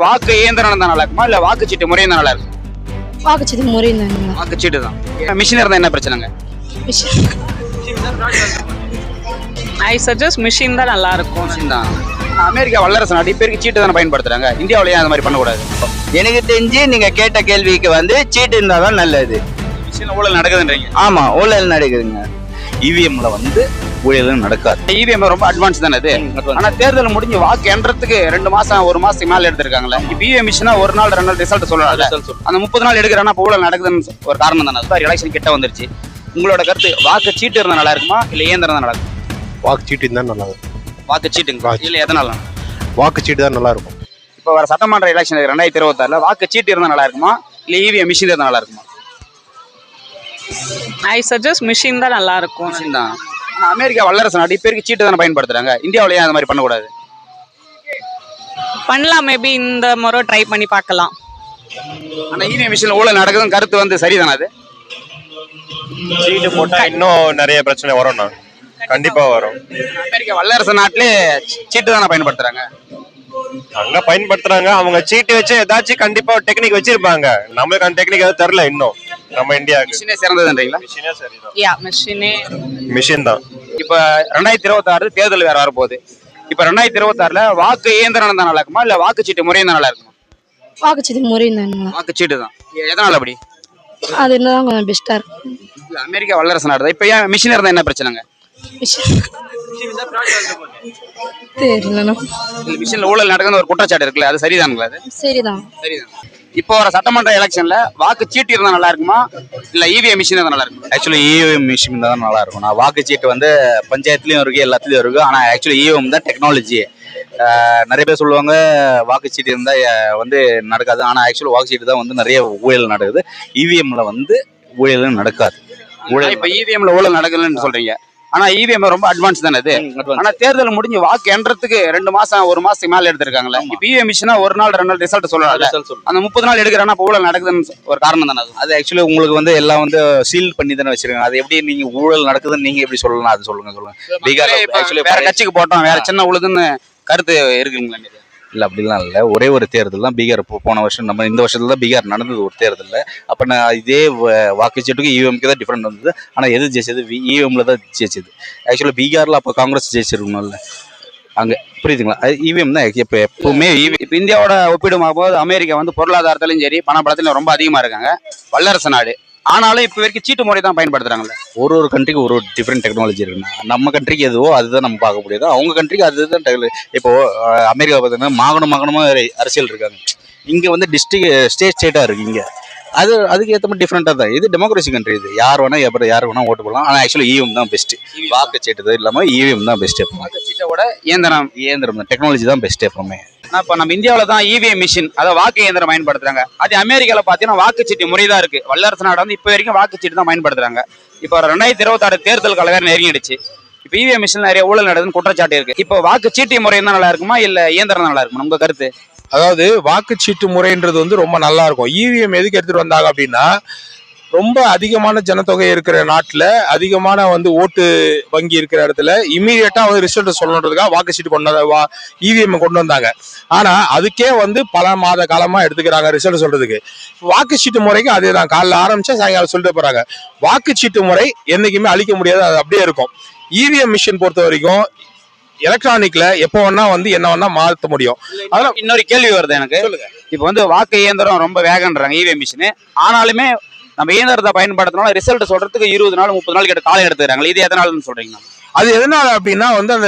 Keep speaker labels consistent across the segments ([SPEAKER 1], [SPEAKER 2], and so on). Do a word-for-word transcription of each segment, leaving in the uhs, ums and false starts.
[SPEAKER 1] வாக்கு இயந்திரம் இருந்தா நல்லா இருக்குமா இல்ல வாக்குச்சீட்டு முறை இருந்தா நல்லா இருக்கும்?
[SPEAKER 2] வாக்குச்சீட்டு முறை இருந்தாங்க.
[SPEAKER 1] வாக்குச்சீட்டு தான். மிஷின் இருந்தா என்ன பிரச்சனைங்க?
[SPEAKER 3] ஐ சஜஸ்ட் மிஷின் தான் நல்லா இருக்கும்.
[SPEAKER 1] மிஷின் தான். அமெரிக்கா வல்லரசு நாடு பேருக்கு சீட்டு தானே பயன்படுத்துறாங்க, இந்தியாவிலேயே அந்த மாதிரி பண்ணக்கூடாது?
[SPEAKER 4] எனக்கு தெரிஞ்சு நீங்க கேட்ட கேள்விக்கு வந்து சீட்டு இருந்தாதான் நல்லது.
[SPEAKER 1] மிஷின் ஊழல் நடக்குதுன்றீங்க?
[SPEAKER 4] ஆமா, ஊழல் நடக்குதுங்க.
[SPEAKER 1] இவிஎம்ல வந்து ஊழல் நடக்காது. இவிஎம் ரொம்ப அட்வான்ஸ் தானே அது. ஆனா தேர்தல் முடிஞ்சு வாக்கு எண்றதுக்கு ரெண்டு மாசம் ஒரு மாசத்துக்கு மேல எடுத்திருக்காங்களே. இப்ப இவிஎம் மிஷினா ஒரு நாள் ரெண்டு நாள் ரிசல்ட் சொல்லலாம்ல. அந்த முப்பது நாள் எடுக்கிறானா ஊழல் நடக்குதுன்னு ஒரு காரணம் தானே. அது எலெக்ஷன் கிட்ட வந்துருச்சு. உங்களோட கருத்து வாக்கு சீட்டு இருந்தா நல்லா இருக்குமா இல்ல இயந்திரம் தான் நல்லா இருக்கும்?
[SPEAKER 5] வாக்கு சீட்டு இருந்தா நல்லா இருக்கும்.
[SPEAKER 1] வாக்கு சீட்டுங்க இல்ல எதனால?
[SPEAKER 5] வாக்கு சீட்டு தான் நல்லா இருக்கும்.
[SPEAKER 1] இப்ப வர சட்டமன்ற எலெக்ஷன் ரெண்டாயிரத்தி இருபத்தி ஆறுல வாக்கு சீட்டு இருந்தா நல்லா இருக்குமா இல்ல இவிஎம் மிஷின் இருந்தா நல்லா இருக்குமா?
[SPEAKER 3] ஐ சஜஸ்ட் மிஷின் தான் நல்லா இருக்கும்.
[SPEAKER 1] மிஷின் தான். ஆனா அமெரிக்கா வல்லரசு நாடு பேருக்கு சீட்டு தானே பயன்படுத்துறாங்க, இந்தியாவிலேயே அந்த மாதிரி பண்ணக்கூடாது?
[SPEAKER 3] பண்ணலாம், மேபி இந்த முறை ட்ரை பண்ணி பார்க்கலாம்.
[SPEAKER 1] ஆனா இவிஎம் மிஷின்ல ஊழல் நடக்குதுன்னு கருத்து வந்து சரிதானே அது?
[SPEAKER 5] சீட்டு போட்டா இன்னும் நிறைய பிரச்சனை வரும்ண்ணா. கண்டிப்பா வரும்.
[SPEAKER 1] அமெரிக்கா வல்லரசு நாட்டிலே சீட்டு தானே பயன்படுத்துறாங்க.
[SPEAKER 5] அங்க பயன்படுத்துறாங்க. அவங்க சீட்டு வச்சு ஏதாச்சும் கண்டிப்பா டெக்னிக் வச்சிருப்பாங்க. நம்மளுக்கு அந்த டெக்னிக் எதுவும் தெரியல இன்னும். நம்ம இந்தியாவுக்கு
[SPEAKER 1] மிஷினே சிறந்ததுன்றீங்களா?
[SPEAKER 5] மிஷினே சரிதான்.
[SPEAKER 3] யா மிஷினே
[SPEAKER 5] மிஷின் தான்.
[SPEAKER 1] இப்ப ரெண்டாயிரத்தி இருபத்தி ஆறு தேர்தல் வேற வரப்போகுது. இப்ப ரெண்டாயிரத்தி இருபத்தி ஆறுல வாக்கு இயந்திரம் தான் நல்லா இருக்குமா இல்ல வாக்குச்சீட்டு முறை தான் நல்லா இருக்குமா?
[SPEAKER 2] வாக்குச்சீட்டு முறை இருந்தாங்க.
[SPEAKER 1] வாக்குச்சீட்டு தான். எதனால அப்படி?
[SPEAKER 2] அது என்னதான் கொஞ்சம் பெஸ்டா இருக்கும்.
[SPEAKER 1] அமெரிக்கா வல்லரசு நாடு தான். இப்ப ஏன் மிஷின் இருந்தா என்ன பிரச்சனைங்க?
[SPEAKER 2] தெரியல.
[SPEAKER 1] மிஷின்ல ஊழல் நடக்குதுன்னு ஒரு குற்றச்சாட்டு இருக்குல்ல, அது சரிதானுங்களா? அது
[SPEAKER 2] சரிதான்.
[SPEAKER 1] சரிதான். இப்போ வர சட்டமன்ற எலெக்ஷன்ல வாக்கு சீட்டு இருந்தா நல்லா இருக்குமா இல்ல இவிஎம் மிஷின் இருந்தா நல்லா இருக்குமா?
[SPEAKER 4] ஆக்சுவலி இவிஎம் மிஷின் தான் நல்லா இருக்கும். நான் வாக்குச்சீட்டு வந்து பஞ்சாயத்துலயும் இருக்கு, எல்லாத்துலயும் இருக்கு. ஆனா ஆக்சுவலி இவிஎம் தான் டெக்னாலஜி. நிறைய பேர் சொல்லுவாங்க வாக்குச்சீட்டு இருந்தா வந்து நடக்காது. ஆனா ஆக்சுவலி வாக்குச்சீட்டு தான் வந்து நிறைய ஊழல் நடக்குது. இவிஎம்ல வந்து ஊழல் நடக்காது.
[SPEAKER 1] ஊழல் இப்ப இவிஎம்ல ஊழல் நடக்கலன்னு சொல்றீங்க. ஆனா இவிஎம் ரொம்ப அட்வான்ஸ் தானே அது. ஆனா தேர்தல் முடிஞ்சு வாக்கு எண்றதுக்கு ரெண்டு மாசம் ஒரு மாசத்துக்கு மேல எடுத்திருக்காங்களே. இப்ப இவிஎம் மிஷினா ஒரு நாள் ரெண்டு நாள் ரிசல்ட் சொல்லலாம். அந்த முப்பது நாள் எடுக்கிறானா ஊழல் நடக்குதுன்னு ஒரு காரணம் தானே அது.
[SPEAKER 4] அது ஆக்சுவலி உங்களுக்கு வந்து எல்லாம் வந்து சீல் பண்ணி தானே வச்சிருக்காங்க. அது எப்படி நீங்க ஊழல் நடக்குதுன்னு நீங்க எப்படி சொல்லலாம்? அது சொல்லுங்க சொல்லுங்க. பீகார் ஆக்சுவலி
[SPEAKER 1] வேற கட்சிக்கு போட்டோம், வேற சின்ன உழுதுன்னு கருத்து இருக்குங்களா?
[SPEAKER 4] இல்லை, அப்படிலாம் இல்லை. ஒரே ஒரு தேர்தல் தான் பீகார். போன வருஷம் நம்ம இந்த வருஷத்துல தான் பீகார் நடந்தது ஒரு தேர்தலில். அப்போ நான் இதே வாக்குச்சீட்டுக்கு இவிஎம்க்கு தான் டிஃப்ரெண்ட் வந்தது. ஆனால் எது ஜெயிச்சது? இவிஎம்ல தான் ஜெயிச்சது. ஆக்சுவலாக பீகாரில் அப்போ காங்கிரஸ் ஜெயிச்சிருக்கணும்ல அங்கே, புரியுதுங்களா? அது இவிஎம் தான் எப்போ எப்பவுமே.
[SPEAKER 1] இப்போ இந்தியாவோட ஒப்பிடும் போது அமெரிக்கா வந்து பொருளாதாரத்திலையும் சரி பணப்படத்திலும் ரொம்ப அதிகமாக இருக்காங்க, வல்லரசு நாடு. ஆனாலும் இப்போ வரைக்கும் சீட்டு முறை தான் பயன்படுத்துறாங்கல்ல.
[SPEAKER 4] ஒரு ஒரு கண்ட்ரிக்கு ஒரு ஒரு டிஃப்ரெண்ட் டெக்னாலஜி இருக்குண்ணா. நம்ம கண்ட்ரிக்கு எதுவோ அதுதான் நம்ம பார்க்க முடியாது. அவங்க கண்ட்ரிக்கு அதுதான் டெக்னாலஜி. இப்போ அமெரிக்கா பார்த்தீங்கன்னா மாகாணம் மாகாணமாக அரசியல் இருக்காங்க. இங்கே வந்து டிஸ்ட்ரிக் ஸ்டேட் ஸ்டேட்டாக இருக்குது. இங்கே அது அதுக்கு ஏற்ற மாதிரி டிஃப்ரெண்ட்டாக தான். இது டெமோக்ரஸி கண்ட்ரி. இது யார் வேணால் எப்போ யார் வேணால் ஓட்டு போடலாம். ஆனால் ஆக்சுவலி இவிஎம் தான் பெஸ்ட்டு. வாக்குச்சீட்டு இல்லாமல் இவிஎம் தான் பெஸ்ட்டு.
[SPEAKER 1] வாக்குச்சீட்டோட இயந்திரம்
[SPEAKER 4] இயந்திரம் தான் டெக்னாலஜி தான் பெஸ்ட்டு எப்பவுமே.
[SPEAKER 1] இப்போ நம்ம இந்தியாவில் தான் இவிஎம் மிஷின், அதாவது வாக்கு இயந்திரம் பயன்படுத்துறாங்க. அது அமெரிக்காவில் பார்த்தீங்கன்னா வாக்குச்சீட்டு முறை தான் இருக்கு. வல்லரசு நாடு வந்து இப்போ வரைக்கும் வாக்குச்சீட்டு தான் பயன்படுத்துறாங்க. இப்போ ரெண்டாயிரத்தி இருபத்தி ஆறு தேர்தல் கால வேற நெருங்கிடுச்சு. இப்போ இவிஎம் மிஷின் நிறைய ஊழல் நடக்குதுன்னு குற்றச்சாட்டு இருக்கு. இப்போ வாக்குச்சீட்டு முறை தான் நல்லா இருக்குமா இல்ல இயந்திரம் நல்லா இருக்குமா? உங்க கருத்து?
[SPEAKER 6] அதாவது வாக்குச்சீட்டு முறைன்றது வந்து ரொம்ப நல்லா இருக்கும். இவிஎம் எதுக்கு எடுத்துட்டு வந்தாங்க அப்படின்னா, ரொம்ப அதிகமான ஜனத்தொகை இருக்கிற நாட்டில், அதிகமான வந்து ஓட்டு வங்கி இருக்கிற இடத்துல இமீடியட்டா வந்து ரிசல்ட் சொல்லணுன்றதுக்காக வாக்குச்சீட்டு கொண்டு வந்த வா இவிஎம் கொண்டு வந்தாங்க. ஆனா அதுக்கே வந்து பல மாத காலமா எடுத்துக்கிறாங்க ரிசல்ட் சொல்றதுக்கு. வாக்குச்சீட்டு முறைக்கு அதே தான். காலைல ஆரம்பிச்சா சாயங்காலம் சொல்லிட்டு போறாங்க. வாக்குச்சீட்டு முறை என்னைக்குமே அழிக்க முடியாது, அது அப்படியே இருக்கும். இவிஎம் மிஷின் பொறுத்த வரைக்கும் எலக்ட்ரானிக்ல எப்போ வேணா வந்து என்ன வேணா மாற்ற முடியும்.
[SPEAKER 1] அதெல்லாம் இன்னொரு கேள்வி வருது எனக்கு. இப்போ வந்து வாக்கு இயந்திரம் ரொம்ப வேகன்றாங்க இவிஎம் மிஷின். ஆனாலுமே நம்ம இயந்திரத்தை பயன்படுத்தினாலும் ரிசல்ட் சொல்றதுக்கு இருபது நாள் முப்பது நாள் கிட்ட காலம் எடுத்துக்கிறாங்க. இது எதனாலன்னு சொல்றீங்க?
[SPEAKER 6] அது எதனால அப்படின்னா வந்து அந்த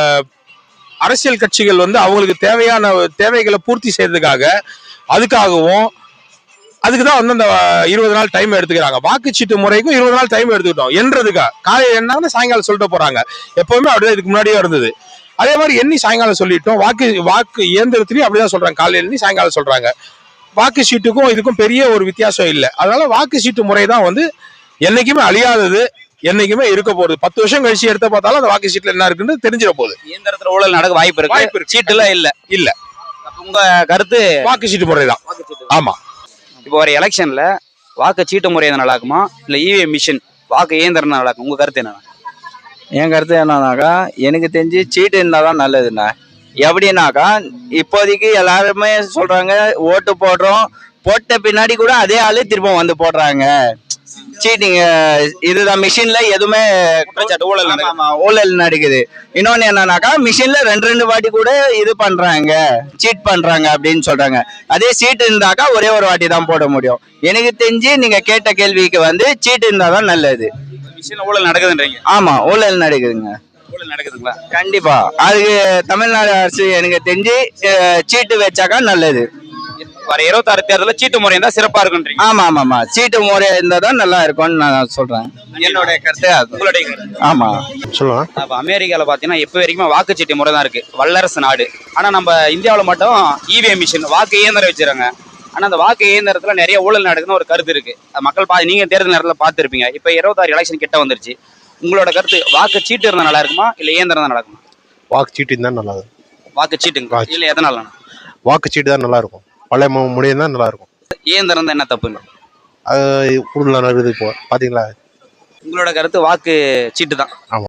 [SPEAKER 6] அரசியல் கட்சிகள் வந்து அவங்களுக்கு தேவையான தேவைகளை பூர்த்தி செய்யறதுக்காக அதுக்காகவும் அதுக்குதான் வந்து அந்த இருபது நாள் டைம் எடுத்துக்கிறாங்க. வாக்குச்சீட்டு முறைக்கும் இருபது நாள் டைம் எடுத்துக்கிட்டோம் என்றதுக்கா. காலையில் என்ன சாயங்காலம் சொல்லிட்டு போறாங்க. எப்பவுமே அப்படிதான் இதுக்கு முன்னாடியே இருந்தது. அதே மாதிரி எண்ணி சாயங்காலம் சொல்லிட்டோம். வாக்கு வாக்கு இயந்திரத்திலையும் அப்படிதான் சொல்றாங்க. காலையில் எண்ணி சாயங்காலம் சொல்றாங்க. வாக்கு சீட்டுக்கும் இதுக்கும் பெரிய ஒரு வித்தியாசம் இல்லை. அதனால வாக்கு சீட்டு முறை தான் வந்து என்னைக்குமே அழியாதது, என்னைக்குமே இருக்க போகுது. பத்து வருஷம் கழிச்சு எடுத்த பார்த்தாலும் அந்த வாக்கு சீட்டுல என்ன இருக்குன்னு தெரிஞ்சிட போகுது.
[SPEAKER 1] இயந்திரத்துல ஊழல் நடக்க வாய்ப்பு இருக்கு. வாய்ப்பு இருக்கு. சீட்டுல இல்ல
[SPEAKER 6] இல்ல.
[SPEAKER 1] உங்க கருத்து
[SPEAKER 6] வாக்கு சீட்டு முறை தான். ஆமா.
[SPEAKER 1] இப்போ வர எலெக்ஷன்ல வாக்கு சீட்டு முறை நல்லா இருக்குமா இல்ல இவிஎம் மிஷின் வாக்கு இயந்திரம் நல்லா இருக்கும்? உங்க கருத்து என்ன?
[SPEAKER 4] என் கருத்து என்னன்னாக்கா, எனக்கு தெரிஞ்சு சீட்டு இருந்தால் தான் நல்லதுண்ணா.
[SPEAKER 7] எப்படின்னாக்கா இப்போதைக்கு எல்லாருமே சொல்றாங்க ஓட்டு போடுறோம், போட்ட பின்னாடி கூட அதே ஆளு திரும்ப வந்து போடுறாங்க. சீட்டிங் இதுதான், மிஷின்ல எதுவுமே
[SPEAKER 1] குற்றச்சாட்டு ஊழல்
[SPEAKER 7] ஆமா,
[SPEAKER 1] நடக்குது.
[SPEAKER 7] ஆமா, ஊழல் நடக்குது. இன்னொன்னு என்னன்னாக்கா மிஷின்ல ரெண்டு ரெண்டு வாட்டி கூட இது பண்றாங்க, சீட் பண்றாங்க அப்படின்னு சொல்றாங்க. அதே சீட் இருந்தாக்கா ஒரே ஒரு வாட்டி தான் போட முடியும். எனக்கு தெரிஞ்சு நீங்க கேட்ட கேள்விக்கு வந்து சீட் இருந்தாதான் நல்லது.
[SPEAKER 1] மிஷின்ல ஊழல் நடக்குதுன்றீங்க.
[SPEAKER 7] ஆமா, ஊழல் நடக்குதுங்க
[SPEAKER 1] ஊழல் நடக்குதுங்களா?
[SPEAKER 7] கண்டிப்பா. அதுக்கு தமிழ்நாடு அரசு எனக்கு தெரிஞ்சு அஹ், சீட்டு வச்சாக்கா நல்லது.
[SPEAKER 1] வர இருபத்தாறு தேர்தலில் சீட்டு முறை இருந்தா சிறப்பா இருக்குன்றீங்க.
[SPEAKER 7] ஆமா ஆமா ஆமா சீட்டு முறை இருந்தாதான் நல்லா இருக்கும்னு நான் சொல்றேன். என்னுடைய கருத்து அது.
[SPEAKER 1] உங்களுடைய கருத்து?
[SPEAKER 7] ஆமா
[SPEAKER 5] சொல்லுவாங்க.
[SPEAKER 1] அப்ப அமெரிக்கால பாத்தீங்கன்னா இப்ப வரைக்கும் வாக்குச்சீட்டு முறை தான் இருக்கு, வல்லரசு நாடு. ஆனா நம்ம இந்தியாவுல மட்டும் இவிஎம் மிஷின் வாக்கு இயந்திரம் வச்சிருக்காங்க. ஆனா அந்த வாக்கு இயந்திரத்துல நிறைய ஊழல் நடக்குதுன்னு ஒரு கருத்து இருக்கு. அது மக்கள் பா நீங்க தேர்தல் நேரத்துல பார்த்திருப்பீங்க. இப்ப இருபத்தாறு எலெக்ஷன் கிட்ட வந்துருச்சு. உங்களோட கருத்து வாக்கு சீட்டு இருந்தா நல்லா இருக்குமா இல்ல இயந்திரம் தான் நல்லா இருக்குமா?
[SPEAKER 5] வாக்குச்சீட்டு தான் நல்லா இருக்கும்.
[SPEAKER 1] வாக்கு சீட்டுங்க இல்ல எதனால?
[SPEAKER 5] வாக்குச்சீட்டு தான் நல்லா இருக்கும். பழைய முடியும் தான் நல்லா இருக்கும்.
[SPEAKER 1] இயந்திரம் தான் என்ன தப்புங்க?
[SPEAKER 5] அது கூடுதலாக இருக்குது இப்போ பாத்தீங்களா?
[SPEAKER 1] உங்களோட கருத்து வாக்கு சீட்டு தான்.
[SPEAKER 5] ஆமா.